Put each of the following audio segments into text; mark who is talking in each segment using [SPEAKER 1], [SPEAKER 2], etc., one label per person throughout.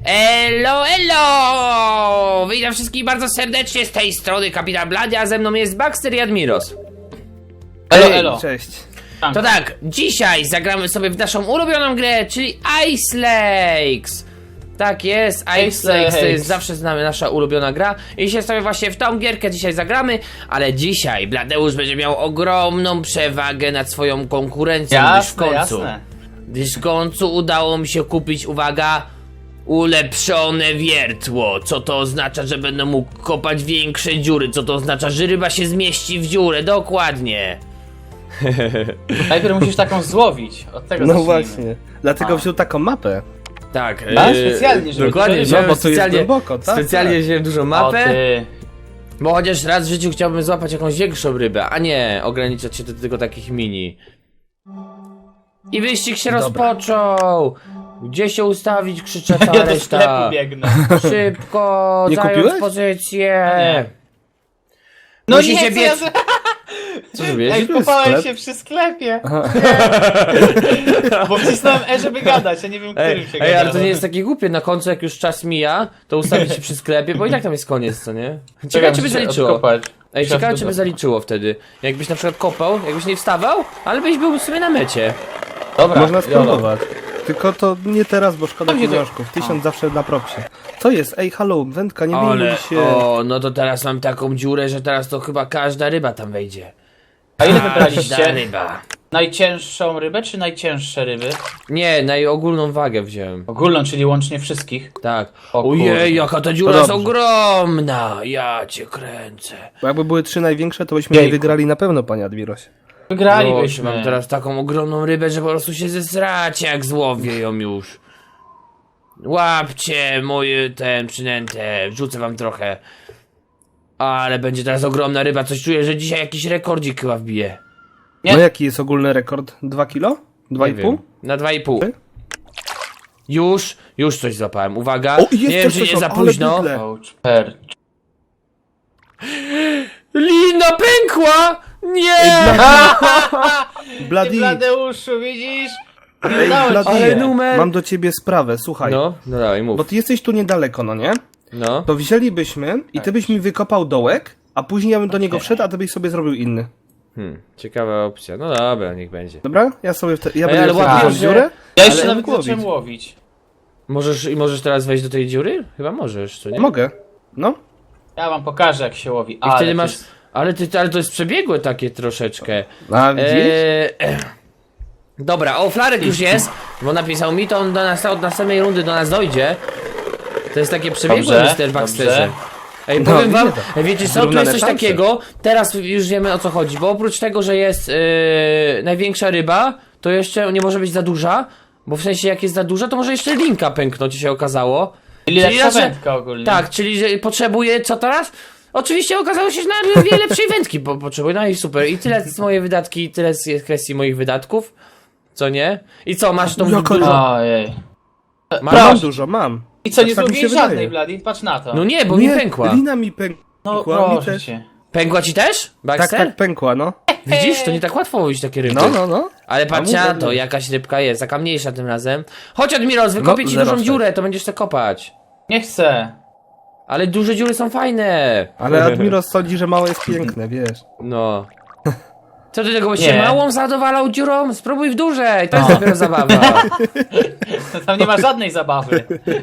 [SPEAKER 1] Elo, elo! Witam wszystkich bardzo serdecznie z tej strony Kapitan Blady, a ze mną jest Baxter i Admiros.
[SPEAKER 2] Elo, elo.
[SPEAKER 3] Cześć.
[SPEAKER 1] To tak, dzisiaj zagramy sobie w naszą ulubioną grę, czyli Ice Lakes. Tak jest, Ice Lakes to jest zawsze z nami nasza ulubiona gra. I dzisiaj sobie właśnie w tą gierkę dzisiaj zagramy, ale dzisiaj Bladeusz będzie miał ogromną przewagę nad swoją konkurencją, gdyż w końcu udało mi się kupić, uwaga, ulepszone wiertło. Co to oznacza, że będę mógł kopać większe dziury? Co to oznacza, że ryba się zmieści w dziurę? Dokładnie.
[SPEAKER 2] Najpierw musisz taką złowić. Od tego
[SPEAKER 3] No
[SPEAKER 2] zacznijmy.
[SPEAKER 3] właśnie. Dlatego wziął taką mapę.
[SPEAKER 1] Tak,
[SPEAKER 2] specjalnie, żeby
[SPEAKER 1] dokładnie,
[SPEAKER 2] dużo
[SPEAKER 1] wziąłem
[SPEAKER 3] ryb, bo tu jest
[SPEAKER 1] specjalnie,
[SPEAKER 3] głęboko, tak,
[SPEAKER 1] specjalnie
[SPEAKER 3] tak.
[SPEAKER 1] wziąłem dużą
[SPEAKER 2] O
[SPEAKER 1] mapę,
[SPEAKER 2] ty.
[SPEAKER 1] bo chociaż raz w życiu chciałbym złapać jakąś większą rybę, a nie ograniczać się do tylko takich mini. I wyścig się rozpoczął! Gdzie się ustawić? Krzyczę cała
[SPEAKER 2] Ja do sklepu
[SPEAKER 1] reszta.
[SPEAKER 2] biegnę.
[SPEAKER 1] Szybko,
[SPEAKER 3] Nie
[SPEAKER 1] zająć
[SPEAKER 3] kupiłeś?
[SPEAKER 1] pozycję.
[SPEAKER 2] Nie. No
[SPEAKER 1] Musicie
[SPEAKER 2] nie,
[SPEAKER 1] biec.
[SPEAKER 2] co ja...
[SPEAKER 1] Co zrobiłeś?
[SPEAKER 2] Ej,
[SPEAKER 3] Tu jest
[SPEAKER 2] kopałem
[SPEAKER 3] sklep.
[SPEAKER 2] się przy sklepie. Bo wcisnąłem E, żeby gadać, ja nie wiem, którym się
[SPEAKER 1] Ej,
[SPEAKER 2] gada.
[SPEAKER 1] ale to nie jest takie głupie, na końcu jak już czas mija, to ustawić się przy sklepie, bo i tak tam jest koniec, co nie? Ciekawe
[SPEAKER 2] Czekam,
[SPEAKER 1] czy by
[SPEAKER 2] muszę
[SPEAKER 1] zaliczyło.
[SPEAKER 2] odkopać.
[SPEAKER 1] Ej,
[SPEAKER 2] Muszę
[SPEAKER 1] ciekawe czy by
[SPEAKER 2] odkopać.
[SPEAKER 1] zaliczyło wtedy. Jakbyś na przykład kopał, jakbyś nie wstawał, ale byś był sobie na mecie.
[SPEAKER 2] Dobra,
[SPEAKER 3] Można
[SPEAKER 2] jolo.
[SPEAKER 3] spróbować. Tylko to nie teraz, bo szkoda
[SPEAKER 2] Tam się
[SPEAKER 3] pieniążków. 1000 zawsze na propsie. Co jest? Ej, halo, wędka, nie wyjmuj się.
[SPEAKER 1] o, no to teraz mam taką dziurę, że teraz to chyba każda ryba tam wejdzie.
[SPEAKER 2] A ile
[SPEAKER 1] Każda
[SPEAKER 2] wybraliście?
[SPEAKER 1] ryba.
[SPEAKER 2] Najcięższą rybę, czy najcięższe ryby?
[SPEAKER 1] Nie, na ogólną wagę wziąłem.
[SPEAKER 2] Ogólną, czyli łącznie wszystkich.
[SPEAKER 1] Tak.
[SPEAKER 2] O
[SPEAKER 1] Ojej,
[SPEAKER 2] kurde.
[SPEAKER 1] jaka ta dziura
[SPEAKER 3] To
[SPEAKER 1] jest
[SPEAKER 3] dobrze.
[SPEAKER 1] ogromna! Ja cię kręcę.
[SPEAKER 3] Bo jakby były 3 największe, to byśmy
[SPEAKER 2] Jejku.
[SPEAKER 3] nie wygrali na pewno, panie Admirosie.
[SPEAKER 1] Mam
[SPEAKER 2] Wygralibyśmy.
[SPEAKER 1] teraz taką ogromną rybę, że po prostu się zesracie, jak złowię ją już. Łapcie moje przynętę, wrzucę wam trochę. Ale będzie teraz ogromna ryba, coś czuję, że dzisiaj jakiś rekordzik chyba wbije.
[SPEAKER 2] Nie.
[SPEAKER 3] No jaki jest ogólny rekord? 2 kilo?
[SPEAKER 1] Nie
[SPEAKER 3] 2,5?
[SPEAKER 1] wiem. Na 2,5. Już coś złapałem, uwaga.
[SPEAKER 3] O, jest
[SPEAKER 1] nie wiem,
[SPEAKER 3] też
[SPEAKER 1] czy nie
[SPEAKER 3] coś,
[SPEAKER 1] za
[SPEAKER 3] ale
[SPEAKER 1] późno.
[SPEAKER 3] bydle.
[SPEAKER 2] Ouch, percz.
[SPEAKER 1] Lina pękła! Nie!
[SPEAKER 2] Ty,
[SPEAKER 3] Bloody,
[SPEAKER 2] Bladeuszu, widzisz? Nie
[SPEAKER 3] ej,
[SPEAKER 2] udało ci
[SPEAKER 3] Bloody,
[SPEAKER 1] Ale
[SPEAKER 2] się.
[SPEAKER 1] numer-
[SPEAKER 3] mam do ciebie sprawę, słuchaj.
[SPEAKER 1] No dawaj,
[SPEAKER 3] Bo
[SPEAKER 1] mów.
[SPEAKER 3] ty jesteś tu niedaleko, no nie?
[SPEAKER 1] No.
[SPEAKER 3] To wzięlibyśmy i ty byś mi wykopał dołek, a później ja bym do niego wszedł, a ty byś sobie zrobił inny.
[SPEAKER 1] Ciekawa opcja. No dobra, niech będzie.
[SPEAKER 3] Dobra? Ja sobie ja
[SPEAKER 1] ale
[SPEAKER 3] będę
[SPEAKER 1] łapiesz,
[SPEAKER 3] wsadził
[SPEAKER 1] że-
[SPEAKER 3] dziurę.
[SPEAKER 2] Ja jeszcze
[SPEAKER 3] ale
[SPEAKER 2] nawet
[SPEAKER 3] mógł
[SPEAKER 2] zacząłem
[SPEAKER 3] łowić.
[SPEAKER 2] łowić.
[SPEAKER 1] Możesz teraz wejść do tej dziury? Chyba możesz, co nie?
[SPEAKER 3] Mogę. No.
[SPEAKER 2] Ja wam pokażę, jak się łowi.
[SPEAKER 1] I
[SPEAKER 2] Ale
[SPEAKER 1] wtedy
[SPEAKER 2] to
[SPEAKER 1] masz.
[SPEAKER 2] jest-
[SPEAKER 1] Ale to jest przebiegłe takie troszeczkę.
[SPEAKER 3] A widzisz?
[SPEAKER 1] Dobra, o, Flarek już jest, bo napisał mi, to on do nas, od następnej rundy do nas dojdzie. To jest takie przebiegłe,
[SPEAKER 2] Dobrze,
[SPEAKER 1] Mr. Baxterze.
[SPEAKER 2] dobrze.
[SPEAKER 1] Ej,
[SPEAKER 3] No,
[SPEAKER 1] powiem wam,
[SPEAKER 3] widzę to.
[SPEAKER 1] wiecie co, tu
[SPEAKER 3] Zrównane
[SPEAKER 1] jest coś
[SPEAKER 3] szanse.
[SPEAKER 1] takiego, teraz już wiemy o co chodzi, bo oprócz tego, że jest największa ryba, to jeszcze nie może być za duża, bo w sensie jak jest za duża, to może jeszcze linka pęknąć, się okazało.
[SPEAKER 2] Czyli lepsza
[SPEAKER 1] raczej-
[SPEAKER 2] wędka ogólnie.
[SPEAKER 1] Tak, czyli że potrzebuje co teraz? Oczywiście okazało się, że na wiele lepszej wędki potrzebuję, no i super. I tyle z moje wydatki, tyle z kwestii moich wydatków. Co nie? I co, masz tą
[SPEAKER 3] Jaka
[SPEAKER 1] dużo?
[SPEAKER 2] Ojej.
[SPEAKER 1] Masz?
[SPEAKER 3] Mam dużo, mam.
[SPEAKER 2] I co, nie
[SPEAKER 3] Tak mi się
[SPEAKER 2] zrobiłeś
[SPEAKER 3] wydaje.
[SPEAKER 2] żadnej, Blady? Patrz na to.
[SPEAKER 1] No nie, bo mi pękła.
[SPEAKER 3] Lina mi pękła.
[SPEAKER 2] No
[SPEAKER 3] mi
[SPEAKER 2] proszę
[SPEAKER 3] też.
[SPEAKER 2] cię.
[SPEAKER 1] Pękła ci też?
[SPEAKER 3] Tak,
[SPEAKER 1] Baxter?
[SPEAKER 3] tak, pękła, no.
[SPEAKER 1] Widzisz, to nie tak łatwo łowić takie ryby.
[SPEAKER 3] No.
[SPEAKER 1] Ale patrz
[SPEAKER 3] A
[SPEAKER 1] na
[SPEAKER 3] mówię,
[SPEAKER 1] to,
[SPEAKER 3] no.
[SPEAKER 1] jakaś rybka jest, taka mniejsza tym razem. Chodź Admiros, wykopię
[SPEAKER 3] No,
[SPEAKER 1] ci dużą
[SPEAKER 3] 0,6.
[SPEAKER 1] dziurę, to będziesz to kopać.
[SPEAKER 2] Nie chcę.
[SPEAKER 1] Ale duże dziury są fajne.
[SPEAKER 3] Ale Admiros sądzi, że małe jest piękne, wiesz.
[SPEAKER 1] No. Co ty tego byś
[SPEAKER 2] Nie.
[SPEAKER 1] się małą zadowalał dziurą? Spróbuj w dużej, to jest dopiero zabawa.
[SPEAKER 2] Tam nie ma żadnej zabawy.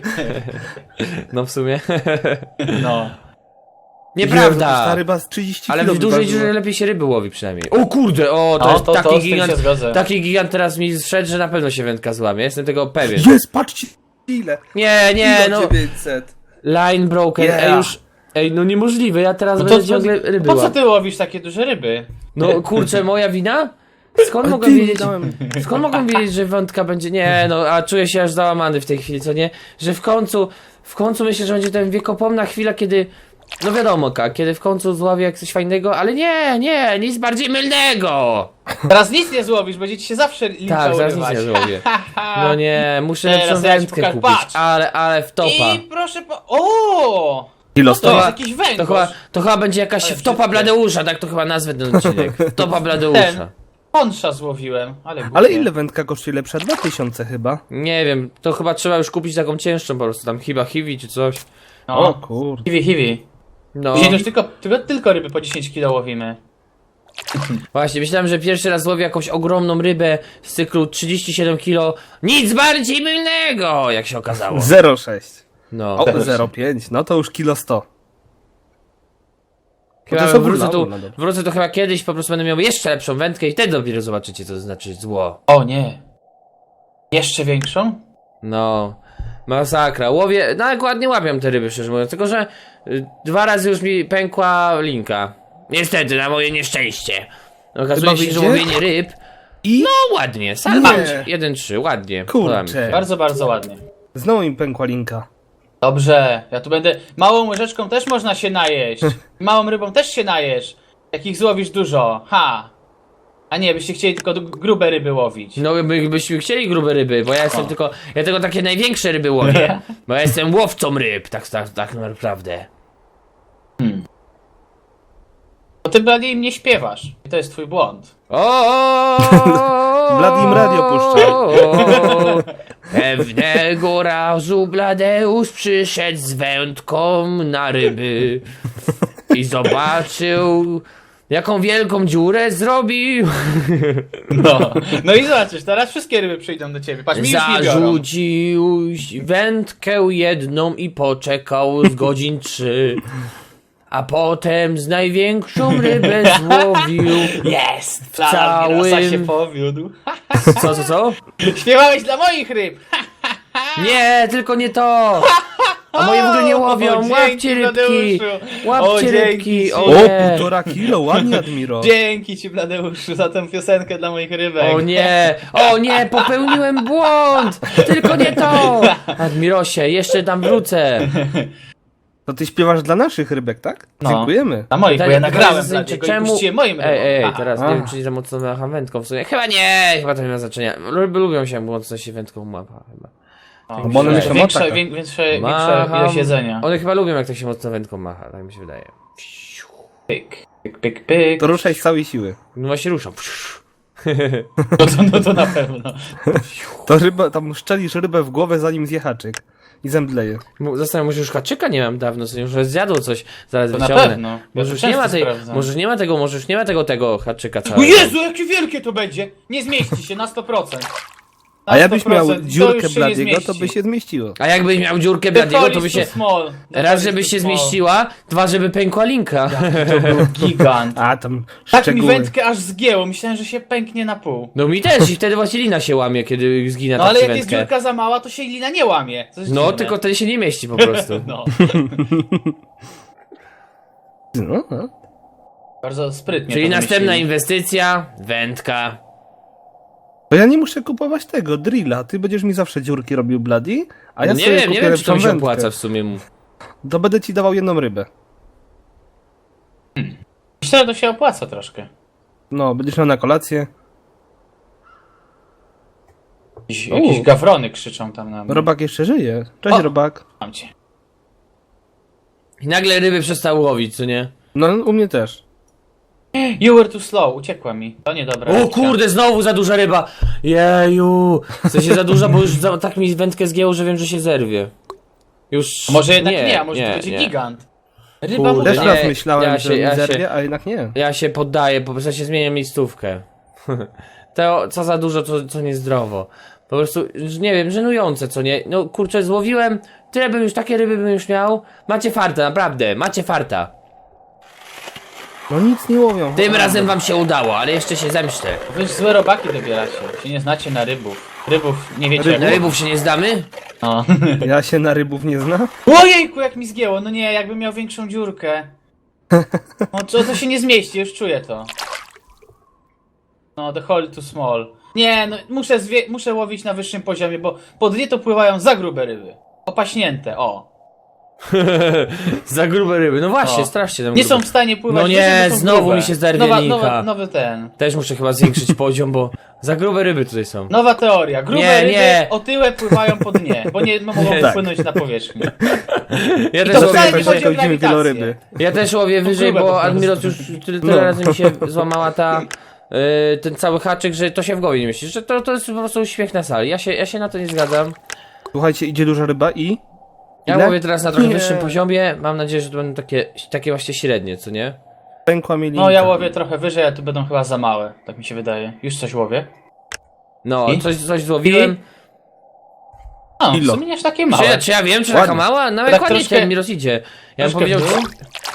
[SPEAKER 1] No w sumie.
[SPEAKER 2] No.
[SPEAKER 1] Nieprawda.
[SPEAKER 3] Ta ryba z 30
[SPEAKER 1] Ale
[SPEAKER 3] kilo
[SPEAKER 1] w dużej
[SPEAKER 3] wyważyła.
[SPEAKER 1] dziurze lepiej się ryby łowi przynajmniej. O kurde, o, to
[SPEAKER 2] No,
[SPEAKER 1] jest
[SPEAKER 2] to
[SPEAKER 1] taki
[SPEAKER 2] z tym
[SPEAKER 1] gigant.
[SPEAKER 2] się zgodzę.
[SPEAKER 1] Taki gigant teraz mi zszedł, że na pewno się wędka złamie. Jestem tego pewien.
[SPEAKER 3] Jest, patrzcie ile.
[SPEAKER 1] Nie, no.
[SPEAKER 3] 900.
[SPEAKER 1] Line broken,
[SPEAKER 3] Yeah.
[SPEAKER 1] ej już. Ej, no niemożliwe, ja teraz
[SPEAKER 2] No
[SPEAKER 1] będę ciągle ryby
[SPEAKER 2] po co
[SPEAKER 1] łapał.
[SPEAKER 2] ty łowisz takie duże ryby?
[SPEAKER 1] No kurczę, moja wina? Skąd
[SPEAKER 3] Ale
[SPEAKER 1] mogłem
[SPEAKER 3] ty
[SPEAKER 1] wiedzieć?
[SPEAKER 3] dałem-
[SPEAKER 1] Skąd mogłem wiedzieć, że wątka będzie. Nie, no, a czuję się aż załamany w tej chwili, co nie? Że w końcu myślę, że będzie ten wiekopomna chwila, kiedy. No wiadomo, kiedy w końcu zławię jak coś fajnego, ale nie, nic bardziej mylnego!
[SPEAKER 2] Teraz nic nie złowisz, będzie ci się zawsze lincza
[SPEAKER 1] Tak, zaraz nic
[SPEAKER 2] urywać.
[SPEAKER 1] nie zrobię. No nie, muszę
[SPEAKER 2] Teraz
[SPEAKER 1] lepszą
[SPEAKER 2] ja ci
[SPEAKER 1] wędkę
[SPEAKER 2] pokażę,
[SPEAKER 1] kupić,
[SPEAKER 2] patrz.
[SPEAKER 1] ale wtopa.
[SPEAKER 2] I proszę O!
[SPEAKER 3] Kilo
[SPEAKER 2] To
[SPEAKER 3] stoi.
[SPEAKER 2] jest jakiś węgorz.
[SPEAKER 1] To chyba będzie jakaś
[SPEAKER 2] Ale
[SPEAKER 1] wtopa
[SPEAKER 2] brzydkie.
[SPEAKER 1] Bladeusza, tak to chyba nazwę ten odcinek. Wtopa Bladeusza.
[SPEAKER 2] Pącza złowiłem, ale głupie.
[SPEAKER 3] Ale ile wędka kosztuje lepsza? 2000 chyba.
[SPEAKER 1] Nie wiem, to chyba trzeba już kupić taką cięższą po prostu, tam chyba hiwi czy coś.
[SPEAKER 2] No.
[SPEAKER 3] O kurde.
[SPEAKER 2] Hiwi.
[SPEAKER 1] No,
[SPEAKER 2] Dzisiaj już tylko ryby po 10 kilo łowimy.
[SPEAKER 1] właśnie, myślałem, że pierwszy raz łowię jakąś ogromną rybę z cyklu 37 kilo. Nic bardziej mylnego, jak się okazało.
[SPEAKER 3] 0,6.
[SPEAKER 1] No,
[SPEAKER 3] O, 0,5. No to już kilo 100.
[SPEAKER 1] chyba
[SPEAKER 3] to są
[SPEAKER 1] wrócę tu,
[SPEAKER 3] no dobra.
[SPEAKER 1] wrócę tu chyba kiedyś, po prostu będę miał jeszcze lepszą wędkę i wtedy dopiero zobaczycie, co to znaczy zło.
[SPEAKER 2] O nie. Jeszcze większą?
[SPEAKER 1] No, masakra. Łowię, no jak ładnie łapią te ryby, szczerze mówiąc, tylko że 2 razy już mi pękła linka. Niestety, na moje nieszczęście. Okazuje się, że
[SPEAKER 3] wyjdzie?
[SPEAKER 1] łowienie ryb,
[SPEAKER 3] I
[SPEAKER 1] no ładnie, sam
[SPEAKER 3] Nie.
[SPEAKER 1] 1-3, ładnie.
[SPEAKER 3] Kurczę.
[SPEAKER 1] Podoba mi się.
[SPEAKER 2] Bardzo, bardzo ładnie.
[SPEAKER 3] znowu im pękła linka.
[SPEAKER 2] Dobrze, ja tu będę... Małą łyżeczką też można się najeść. Małą rybą też się najesz. Jak ich złowisz dużo. Ha! A nie, byście chcieli tylko grube ryby łowić.
[SPEAKER 1] No byśmy chcieli grube ryby, bo ja jestem tylko, ja tylko takie największe ryby łowię, bo ja jestem łowcą ryb, tak naprawdę.
[SPEAKER 2] Bo ty Blady im nie śpiewasz. I to jest twój błąd.
[SPEAKER 3] Blady im radio puszcza.
[SPEAKER 1] Pewnego razu Bladeusz przyszedł z wędką na ryby i zobaczył, jaką wielką dziurę zrobił.
[SPEAKER 2] No i zobaczysz, teraz wszystkie ryby przyjdą do ciebie. Patrz, mi już nie biorą.
[SPEAKER 1] Zarzucił wędkę jedną i poczekał z godzin 3. A potem z największą rybę złowił.
[SPEAKER 2] Jest!
[SPEAKER 1] W całym-
[SPEAKER 2] Admirosa się powiódł.
[SPEAKER 1] Co?
[SPEAKER 2] Śpiewałeś dla moich ryb!
[SPEAKER 1] Nie, tylko nie to! A moje w ogóle nie łowią,
[SPEAKER 2] O, dzięki,
[SPEAKER 1] łapcie rybki!
[SPEAKER 2] Bladeuszu. O,
[SPEAKER 1] Łapcie
[SPEAKER 2] dzięki
[SPEAKER 1] rybki,
[SPEAKER 2] ci.
[SPEAKER 1] o
[SPEAKER 3] O,
[SPEAKER 1] nie!
[SPEAKER 3] 1,5 kilo, ładnie Admiro.
[SPEAKER 2] Dzięki ci, Bladeuszu, za tę piosenkę dla moich rybek.
[SPEAKER 1] O nie, popełniłem błąd! Tylko nie to! Admirosie, jeszcze tam wrócę.
[SPEAKER 3] To ty śpiewasz dla naszych rybek, tak?
[SPEAKER 2] No.
[SPEAKER 3] Dziękujemy.
[SPEAKER 2] Dla moich, bo ja
[SPEAKER 1] Pytanie
[SPEAKER 2] nagrałem
[SPEAKER 1] jest
[SPEAKER 2] dla
[SPEAKER 1] zasadnicze,
[SPEAKER 2] ciebie i puściłem moim rybom.
[SPEAKER 1] Ej,
[SPEAKER 2] Aha.
[SPEAKER 1] teraz nie wiem, czy za mocno macham wędką w sumie. Chyba nie, chyba to nie ma znaczenia. Ryby lubią się mocno się wędką mapa chyba.
[SPEAKER 2] O,
[SPEAKER 3] Bo one
[SPEAKER 2] większa,
[SPEAKER 3] myślą o taka.
[SPEAKER 2] większa
[SPEAKER 1] Macham.
[SPEAKER 2] ilość jedzenia.
[SPEAKER 1] One chyba lubią, jak to się mocno wędką macha, tak mi się wydaje.
[SPEAKER 2] Pyk, pyk, pyk, pyk.
[SPEAKER 3] To ruszaj z całej siły.
[SPEAKER 1] No właśnie ruszam.
[SPEAKER 2] No to na pewno.
[SPEAKER 3] To ryba, tam szczelisz rybę w głowę zanim zje haczyk. I zemdleje.
[SPEAKER 1] Zastanawiam się, już haczyka nie mam dawno, co już zjadł coś, zaraz
[SPEAKER 2] To na
[SPEAKER 1] wyciągnę.
[SPEAKER 2] pewno.
[SPEAKER 1] Może
[SPEAKER 2] Ja
[SPEAKER 1] już
[SPEAKER 2] to
[SPEAKER 1] nie ma
[SPEAKER 2] często
[SPEAKER 1] tej,
[SPEAKER 2] sprawdzam.
[SPEAKER 1] może już nie ma tego haczyka
[SPEAKER 2] O
[SPEAKER 1] całego.
[SPEAKER 2] Jezu, jakie wielkie to będzie! Nie zmieści się na 100%. Na
[SPEAKER 3] A jakbyś
[SPEAKER 2] 100%,
[SPEAKER 3] miał
[SPEAKER 2] to
[SPEAKER 3] dziurkę
[SPEAKER 2] już się nie
[SPEAKER 3] Bladiego, to
[SPEAKER 2] zmieści.
[SPEAKER 3] by się zmieściło.
[SPEAKER 1] A jakbyś miał dziurkę
[SPEAKER 2] The
[SPEAKER 1] Bladiego, to by
[SPEAKER 2] Forest
[SPEAKER 1] się...
[SPEAKER 2] too small. The
[SPEAKER 1] Raz,
[SPEAKER 2] Forest
[SPEAKER 1] żeby
[SPEAKER 2] too
[SPEAKER 1] się
[SPEAKER 2] small.
[SPEAKER 1] zmieściła, dwa, żeby pękła linka.
[SPEAKER 2] To był gigant.
[SPEAKER 3] A, tam
[SPEAKER 2] Tak mi
[SPEAKER 3] szczegóły.
[SPEAKER 2] wędkę aż zgięło, myślałem, że się pęknie na pół.
[SPEAKER 1] No mi też i wtedy właśnie lina się łamie, kiedy zgina
[SPEAKER 2] No
[SPEAKER 1] tak
[SPEAKER 2] ale
[SPEAKER 1] ci
[SPEAKER 2] jak jest
[SPEAKER 1] wędkę.
[SPEAKER 2] dziurka za mała, to się lina nie łamie. To jest
[SPEAKER 1] No,
[SPEAKER 2] dziwne.
[SPEAKER 1] tylko wtedy się nie mieści po prostu.
[SPEAKER 2] No,
[SPEAKER 3] No.
[SPEAKER 2] bardzo sprytnie
[SPEAKER 1] Czyli
[SPEAKER 2] to
[SPEAKER 1] następna
[SPEAKER 2] wymyślili.
[SPEAKER 1] inwestycja, wędka.
[SPEAKER 3] To ja nie muszę kupować tego, drilla. Ty będziesz mi zawsze dziurki robił Bloody, a ja
[SPEAKER 1] No nie
[SPEAKER 3] sobie
[SPEAKER 1] wiem,
[SPEAKER 3] kupię
[SPEAKER 1] nie wiem, czy to
[SPEAKER 3] lepszą
[SPEAKER 1] mi się
[SPEAKER 3] wędkę.
[SPEAKER 1] opłaca w sumie.
[SPEAKER 3] To będę ci dawał jedną rybę.
[SPEAKER 2] Myślę, że to się opłaca troszkę.
[SPEAKER 3] No, będziesz miał na kolację.
[SPEAKER 2] Jakieś gawrony krzyczą tam na mnie.
[SPEAKER 3] Robak jeszcze żyje. Cześć,
[SPEAKER 2] O!
[SPEAKER 3] Robak.
[SPEAKER 2] Mam cię.
[SPEAKER 1] I nagle ryby przestały łowić, co nie?
[SPEAKER 3] No, u mnie też.
[SPEAKER 2] You were too slow, uciekła mi. To niedobra
[SPEAKER 1] O
[SPEAKER 2] rybka.
[SPEAKER 1] kurde, znowu za duża ryba! Jeju! W sensie za duża, bo już tak mi wędkę zgięło, że wiem, że się zerwie. Już...
[SPEAKER 2] A może jednak nie, a może to będzie
[SPEAKER 1] nie.
[SPEAKER 2] gigant. Ryba
[SPEAKER 1] Kurde,
[SPEAKER 2] może...
[SPEAKER 3] Też
[SPEAKER 1] nie,
[SPEAKER 3] raz myślałem,
[SPEAKER 1] ja
[SPEAKER 3] że
[SPEAKER 1] się- ja
[SPEAKER 3] mi
[SPEAKER 1] się-
[SPEAKER 3] zerwie, a jednak nie.
[SPEAKER 1] Ja się poddaję, po prostu się zmieniam miejscówkę. To co za dużo, co niezdrowo. Po prostu, nie wiem, żenujące, co nie? No kurczę, złowiłem, tyle bym już, takie ryby bym już miał. Macie farta, naprawdę, macie farta.
[SPEAKER 3] No nic nie łowią.
[SPEAKER 1] Tym razem wam się udało, ale jeszcze się zemszczę.
[SPEAKER 2] Wy już złe robaki dobieracie. Się nie znacie na rybów. Rybów nie wiecie
[SPEAKER 1] Na
[SPEAKER 2] jak...
[SPEAKER 1] rybów się nie zdamy?
[SPEAKER 2] No.
[SPEAKER 3] Ja się na rybów nie znam.
[SPEAKER 2] Ojejku, jak mi zgięło. No nie, jakbym miał większą dziurkę. No to się nie zmieści, już czuję to. No, the hole too small. Nie, no muszę łowić na wyższym poziomie, bo pod dnie to pływają za grube ryby. Opaśnięte, o.
[SPEAKER 1] Za grube ryby, no właśnie,
[SPEAKER 2] O.
[SPEAKER 1] strasznie tam
[SPEAKER 2] Nie
[SPEAKER 1] grube.
[SPEAKER 2] są w stanie pływać
[SPEAKER 1] No nie,
[SPEAKER 2] wyżej, bo są
[SPEAKER 1] znowu
[SPEAKER 2] grube.
[SPEAKER 1] mi się zerwie linka.
[SPEAKER 2] Nowy ten.
[SPEAKER 1] Też muszę chyba zwiększyć poziom, bo za grube ryby tutaj są.
[SPEAKER 2] Nowa teoria. Grube
[SPEAKER 1] Nie,
[SPEAKER 2] ryby
[SPEAKER 1] nie.
[SPEAKER 2] otyłe pływają po dnie, bo nie mogą
[SPEAKER 3] Tak.
[SPEAKER 2] płynąć na powierzchnię.
[SPEAKER 1] Ja
[SPEAKER 2] to
[SPEAKER 1] też
[SPEAKER 2] wcale
[SPEAKER 1] łowię
[SPEAKER 2] nie
[SPEAKER 1] wyżej,
[SPEAKER 2] chodzi o
[SPEAKER 3] widzimy
[SPEAKER 2] grawitację.
[SPEAKER 3] wieloryby.
[SPEAKER 1] ja też łowię wyżej,
[SPEAKER 2] grube po
[SPEAKER 1] bo
[SPEAKER 2] prostu.
[SPEAKER 1] Admiros już tyle
[SPEAKER 3] No.
[SPEAKER 1] razy mi się złamała ta ten cały haczyk, że to się w głowie nie mieści, że to jest po prostu śmiech na sali. Ja się na to nie zgadzam.
[SPEAKER 3] Słuchajcie, idzie duża ryba i...
[SPEAKER 1] Ja
[SPEAKER 3] Ile?
[SPEAKER 1] mówię teraz na trochę
[SPEAKER 3] Nie.
[SPEAKER 1] wyższym poziomie, mam nadzieję, że to będą takie właśnie średnie, co nie?
[SPEAKER 3] Pękła mi linka.
[SPEAKER 2] No ja łowię trochę wyżej, a tu będą chyba za małe, tak mi się wydaje. Już coś łowię.
[SPEAKER 1] No,
[SPEAKER 2] I?
[SPEAKER 1] coś złowiłem.
[SPEAKER 2] No, w
[SPEAKER 3] Kilo.
[SPEAKER 2] sumie nie aż takie małe.
[SPEAKER 1] Czy ja wiem, czy
[SPEAKER 3] Ładnie.
[SPEAKER 1] taka mała? Nawet
[SPEAKER 2] Tak
[SPEAKER 1] ładnie
[SPEAKER 2] troszkę-
[SPEAKER 1] ten mi rozidzie. Ja bym
[SPEAKER 2] troszkę
[SPEAKER 1] powiedział...
[SPEAKER 2] w dół.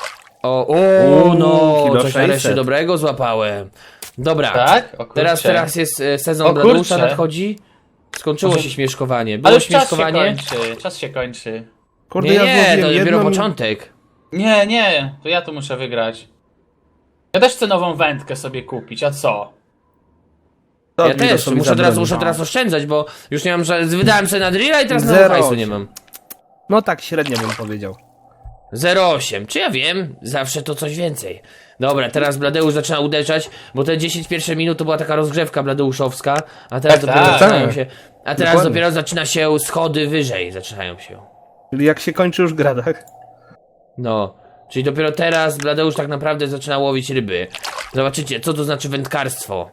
[SPEAKER 1] No,
[SPEAKER 3] kilo
[SPEAKER 1] coś nareszcie
[SPEAKER 3] 600.
[SPEAKER 1] dobrego złapałem. Dobra,
[SPEAKER 2] Tak? O kurczę.
[SPEAKER 1] teraz jest sezon
[SPEAKER 2] O
[SPEAKER 1] Bladeusza
[SPEAKER 2] kurczę.
[SPEAKER 1] nadchodzi. Skończyło
[SPEAKER 2] Może-
[SPEAKER 1] się śmieszkowanie.
[SPEAKER 2] Ale
[SPEAKER 1] Było
[SPEAKER 2] już czas się
[SPEAKER 1] śmieszkowanie.
[SPEAKER 2] kończy, czas się kończy.
[SPEAKER 3] Kurde,
[SPEAKER 1] Nie,
[SPEAKER 3] ja
[SPEAKER 1] nie,
[SPEAKER 3] złowiłem
[SPEAKER 1] to dopiero
[SPEAKER 3] jedną...
[SPEAKER 1] początek.
[SPEAKER 2] Nie, to ja tu muszę wygrać. Ja też chcę nową wędkę sobie kupić, a co?
[SPEAKER 3] To
[SPEAKER 1] Ja
[SPEAKER 3] mi to
[SPEAKER 1] też,
[SPEAKER 3] sobie
[SPEAKER 1] muszę
[SPEAKER 3] zabroni.
[SPEAKER 1] teraz oszczędzać, bo już nie mam, że wydałem sobie na drilla i teraz na
[SPEAKER 3] Zero
[SPEAKER 1] hajsu nie
[SPEAKER 3] osiem.
[SPEAKER 1] mam.
[SPEAKER 3] No tak średnio bym powiedział.
[SPEAKER 1] 0,8. Czy ja wiem? Zawsze to coś więcej. Dobra, teraz Bladeusz zaczyna uderzać, bo te 10 pierwsze minut to była taka rozgrzewka bladeuszowska, a teraz
[SPEAKER 2] Tak,
[SPEAKER 1] dopiero
[SPEAKER 2] tak.
[SPEAKER 1] zaczynają się. A teraz
[SPEAKER 3] Dokładnie.
[SPEAKER 1] dopiero zaczyna się schody wyżej, zaczynają się.
[SPEAKER 3] Czyli jak się kończy już gra, tak?
[SPEAKER 1] No. Czyli dopiero teraz Bladeusz tak naprawdę zaczyna łowić ryby. Zobaczycie, co to znaczy wędkarstwo.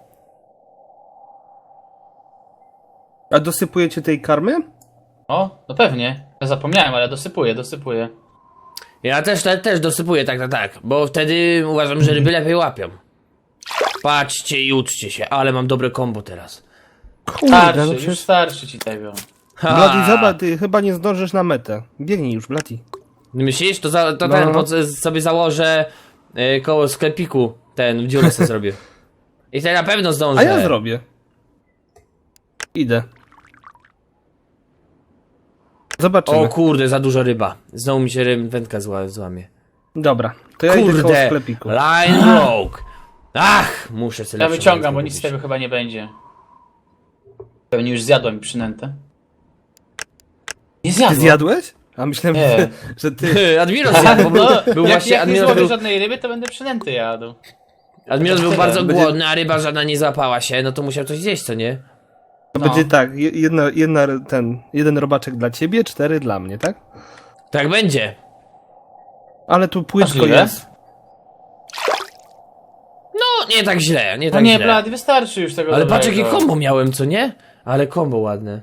[SPEAKER 3] A dosypujecie tej karmy?
[SPEAKER 2] O, no pewnie. Ja zapomniałem, ale dosypuję.
[SPEAKER 1] Ja też dosypuję tak, bo wtedy uważam, że ryby lepiej łapią. Patrzcie i uczcie się, ale mam dobre kombo teraz.
[SPEAKER 3] Kurde,
[SPEAKER 2] Starszy,
[SPEAKER 3] no
[SPEAKER 2] już
[SPEAKER 3] przecież...
[SPEAKER 2] starszy ci tego.
[SPEAKER 3] Bloody, zobacz, ty chyba nie zdążysz na metę. Biegnij już, Bloody.
[SPEAKER 1] Myślisz? To
[SPEAKER 3] No.
[SPEAKER 1] ten sobie założę koło sklepiku, ten dziurę sobie zrobię. I to na pewno zdążę.
[SPEAKER 3] A ja zrobię. Idę. Zobaczymy.
[SPEAKER 1] O kurde, za dużo ryba. Znowu mi się wędka złamie.
[SPEAKER 3] Dobra, to ja idę koło
[SPEAKER 1] Kurde,
[SPEAKER 3] sklepiku.
[SPEAKER 1] line broke. Ach, muszę sobie
[SPEAKER 2] Ja
[SPEAKER 1] lepszą
[SPEAKER 2] wyciągam, bo
[SPEAKER 1] wędkę
[SPEAKER 2] nic z
[SPEAKER 1] kupić.
[SPEAKER 2] tego chyba nie będzie. Pewnie już zjadłem przynętę. Nie
[SPEAKER 3] Ty
[SPEAKER 2] zjadłem.
[SPEAKER 3] zjadłeś? A myślałem,
[SPEAKER 2] Nie.
[SPEAKER 3] że ty...
[SPEAKER 1] Admiros zjadł, bo był
[SPEAKER 2] jak,
[SPEAKER 1] właśnie
[SPEAKER 2] jak nie
[SPEAKER 1] Admiros
[SPEAKER 2] złowię
[SPEAKER 1] był,
[SPEAKER 2] żadnej ryby, to będę przynęty jadł.
[SPEAKER 1] Admiros był
[SPEAKER 2] Tyle.
[SPEAKER 1] bardzo
[SPEAKER 3] Będzie-
[SPEAKER 1] głodny, a ryba żadna nie złapała się, no to musiał coś zjeść, co nie?
[SPEAKER 3] To
[SPEAKER 2] No.
[SPEAKER 3] będzie tak, jeden robaczek dla ciebie, 4 dla mnie, tak?
[SPEAKER 1] Tak będzie.
[SPEAKER 3] Ale tu płytko
[SPEAKER 2] Możliwe.
[SPEAKER 3] jest.
[SPEAKER 1] No, nie tak źle, nie
[SPEAKER 2] No
[SPEAKER 1] tak
[SPEAKER 2] nie,
[SPEAKER 1] źle.
[SPEAKER 2] Blady, wystarczy już tego
[SPEAKER 1] Ale patrz
[SPEAKER 2] dobrego.
[SPEAKER 1] jakie kombo miałem, co nie? Ale kombo ładne.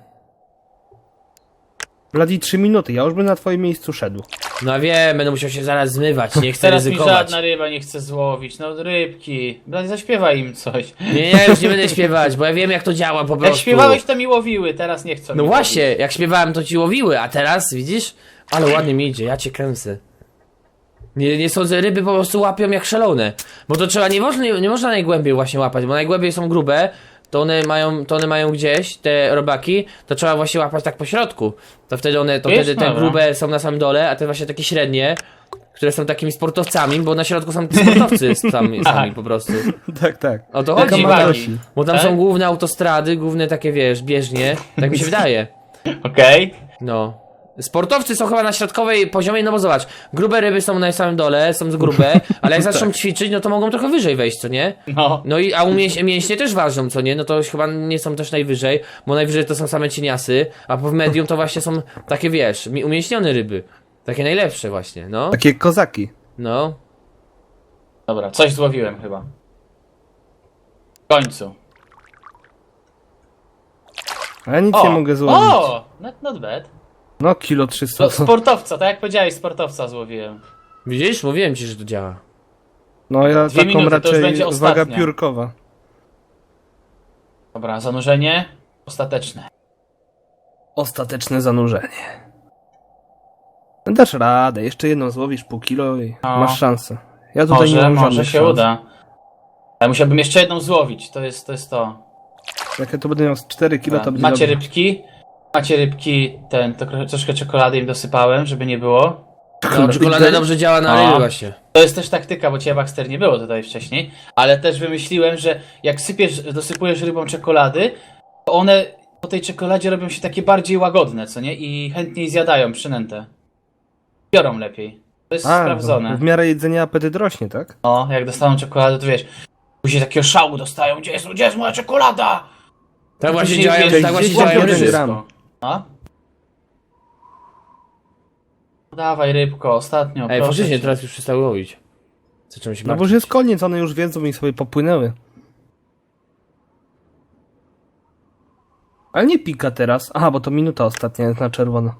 [SPEAKER 3] Bloody 3 minuty, ja już bym na twoim miejscu szedł.
[SPEAKER 1] No wiem, będę musiał się zaraz zmywać, nie chcę
[SPEAKER 2] Teraz mi
[SPEAKER 1] ryzykować.
[SPEAKER 2] żadna ryba nie chce złowić. No rybki. Blady, zaśpiewaj im coś.
[SPEAKER 1] Nie, już nie będę śpiewać, bo ja wiem jak to działa po prostu.
[SPEAKER 2] Jak śpiewałeś, to mi łowiły, teraz nie chcą
[SPEAKER 1] No
[SPEAKER 2] mi
[SPEAKER 1] właśnie,
[SPEAKER 2] łowić.
[SPEAKER 1] jak śpiewałem to ci łowiły, a teraz, widzisz? Ale ładnie mi idzie, ja cię kręcę. Nie sądzę, ryby po prostu łapią jak szalone. Bo to trzeba, nie można najgłębiej właśnie łapać, bo najgłębiej są grube, to one mają gdzieś, te robaki, to trzeba właśnie łapać tak po środku. To wtedy
[SPEAKER 2] Wiesz,
[SPEAKER 1] wtedy te
[SPEAKER 2] dobra.
[SPEAKER 1] grube są na samym dole, a te właśnie takie średnie, które są takimi sportowcami, bo na środku są sportowcy sami po prostu.
[SPEAKER 3] Tak, tak.
[SPEAKER 1] O to
[SPEAKER 2] Taka
[SPEAKER 1] chodzi, bo
[SPEAKER 2] Madagasy.
[SPEAKER 1] tam, bo tam
[SPEAKER 2] Tak?
[SPEAKER 1] są główne autostrady, główne takie, wiesz, bieżnie, tak mi się wydaje.
[SPEAKER 2] Okej.
[SPEAKER 1] No. Sportowcy są chyba na środkowej poziomie, no bo zobacz, grube ryby są na samym dole, są grube, ale jak zaczną ćwiczyć, no to mogą trochę wyżej wejść, co nie?
[SPEAKER 2] No.
[SPEAKER 1] No i a mięśnie też ważą, co nie? No to chyba nie są też najwyżej, bo najwyżej to są same cieniasy, a w medium to właśnie są takie, wiesz, umięśnione ryby. Takie najlepsze właśnie, no.
[SPEAKER 3] Takie kozaki.
[SPEAKER 1] No.
[SPEAKER 2] Dobra, coś złowiłem chyba. W końcu.
[SPEAKER 3] A ja nic
[SPEAKER 2] O!
[SPEAKER 3] nie mogę złowić.
[SPEAKER 2] O! Not bad.
[SPEAKER 3] No, kilo 300.
[SPEAKER 2] To sportowca, tak jak powiedziałeś, sportowca złowiłem.
[SPEAKER 1] Widzisz? Mówiłem ci, że to działa.
[SPEAKER 3] No ja
[SPEAKER 2] 2
[SPEAKER 3] taką
[SPEAKER 2] minuty, to już
[SPEAKER 3] raczej
[SPEAKER 2] będzie
[SPEAKER 3] waga
[SPEAKER 2] ostatnia.
[SPEAKER 3] piórkowa.
[SPEAKER 2] Dobra, zanurzenie ostateczne.
[SPEAKER 3] Ostateczne zanurzenie. Dasz radę, jeszcze jedną złowisz pół kilo i
[SPEAKER 2] No.
[SPEAKER 3] masz szansę. Ja tutaj nie
[SPEAKER 2] Może,
[SPEAKER 3] mam
[SPEAKER 2] może
[SPEAKER 3] żadnych
[SPEAKER 2] się
[SPEAKER 3] szans.
[SPEAKER 2] uda. Ale musiałbym jeszcze jedną złowić, to jest to.
[SPEAKER 3] Jak ja to będę miał z 4 kilo, to będzie
[SPEAKER 2] Macie
[SPEAKER 3] dobrze.
[SPEAKER 2] rybki? Macie rybki, troszkę czekolady im dosypałem, żeby nie było.
[SPEAKER 1] No, czekolada dobrze działa na ryby
[SPEAKER 2] A.
[SPEAKER 1] właśnie.
[SPEAKER 2] To jest też taktyka, bo Ciebie Baxter nie było tutaj wcześniej, ale też wymyśliłem, że jak dosypujesz rybom czekolady, to one po tej czekoladzie robią się takie bardziej łagodne, co nie? I chętniej zjadają przynętę. Biorą lepiej. To jest
[SPEAKER 3] A,
[SPEAKER 2] sprawdzone.
[SPEAKER 3] w miarę jedzenia apetyt rośnie, tak?
[SPEAKER 2] No, jak dostaną czekoladę, to wiesz, później takiego szału dostają, gdzie jest moja czekolada?
[SPEAKER 1] Tak właśnie
[SPEAKER 2] Później,
[SPEAKER 1] działają,
[SPEAKER 2] wiesz,
[SPEAKER 1] tak właśnie
[SPEAKER 3] gdzieś
[SPEAKER 1] działają
[SPEAKER 3] łapią
[SPEAKER 1] ryby.
[SPEAKER 3] ten gram.
[SPEAKER 2] No? Dawaj rybko, ostatnio,
[SPEAKER 1] Ej,
[SPEAKER 2] proszę
[SPEAKER 1] faktycznie
[SPEAKER 2] cię.
[SPEAKER 1] teraz już przestały łowić. Zacząłem się
[SPEAKER 3] No bo już
[SPEAKER 1] martwić.
[SPEAKER 3] jest koniec, one już wiedzą i sobie popłynęły. Ale nie pika teraz. Aha, bo to minuta ostatnia jest na czerwono.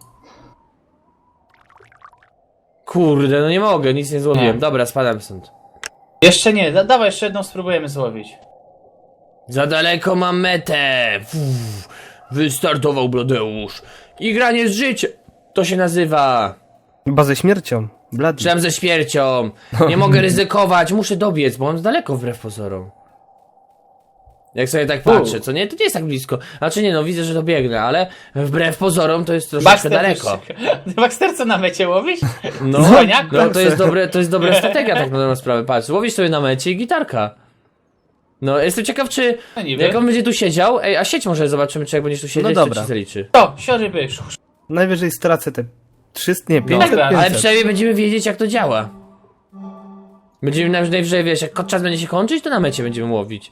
[SPEAKER 1] Kurde, no nie mogę, nic nie złowiłem.
[SPEAKER 2] Nie.
[SPEAKER 1] Dobra, spadam stąd.
[SPEAKER 2] Jeszcze nie, dawaj jeszcze jedną spróbujemy złowić.
[SPEAKER 1] Za daleko mam metę. Wystartował Bladeusz. I granie z życiem. To się nazywa.
[SPEAKER 3] Chyba ze śmiercią. Bloody.
[SPEAKER 1] Przynajmniej ze śmiercią. Nie mogę ryzykować, muszę dobiec, bo mam daleko wbrew pozorom. Jak sobie tak patrzę, co nie? To nie jest tak blisko. Znaczy nie, no widzę, że dobiegnę, ale wbrew pozorom to jest troszeczkę daleko.
[SPEAKER 2] Baxter, co na mecie łowisz?
[SPEAKER 1] No,
[SPEAKER 2] Dzwoniak?
[SPEAKER 1] no to jest dobra strategia tak na dobrą sprawę. Patrz, łowisz sobie na mecie i gitarka. No, jestem ciekaw, czy
[SPEAKER 2] No niby.
[SPEAKER 1] jak on będzie tu siedział, ej, a sieć może zobaczymy, czy jak będziesz tu siedzieć,
[SPEAKER 3] dobra.
[SPEAKER 1] to ci zaliczy.
[SPEAKER 2] To, sioryby.
[SPEAKER 3] Najwyżej stracę te 300, nie, 500,
[SPEAKER 2] Dobra,
[SPEAKER 3] 500.
[SPEAKER 1] Ale przynajmniej będziemy wiedzieć, jak to działa. Będziemy najwyżej, wiesz, jak czas będzie się kończyć, to na mecie będziemy łowić.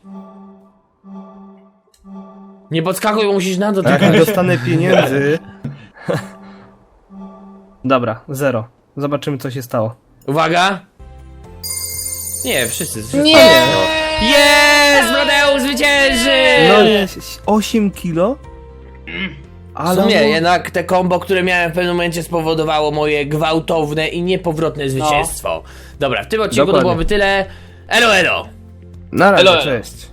[SPEAKER 1] Nie podskakuj, bo musisz na
[SPEAKER 3] A jak
[SPEAKER 1] dotykać.
[SPEAKER 3] nie dostanę pieniędzy... Dobra, 0. Zobaczymy, co się stało.
[SPEAKER 1] Uwaga! Nie, wszyscy.
[SPEAKER 2] Nie!
[SPEAKER 1] Jest! Bladeusz zwycięży!
[SPEAKER 3] No jest 8 kilo?
[SPEAKER 1] W
[SPEAKER 3] Ale
[SPEAKER 1] sumie
[SPEAKER 3] no-
[SPEAKER 1] jednak te kombo, które miałem w pewnym momencie spowodowało moje gwałtowne i niepowrotne zwycięstwo. Dobra, w tym odcinku to
[SPEAKER 3] Dokładnie.
[SPEAKER 1] byłoby tyle. Elo, elo!
[SPEAKER 3] Na razie,
[SPEAKER 2] Elo, elo.
[SPEAKER 3] cześć.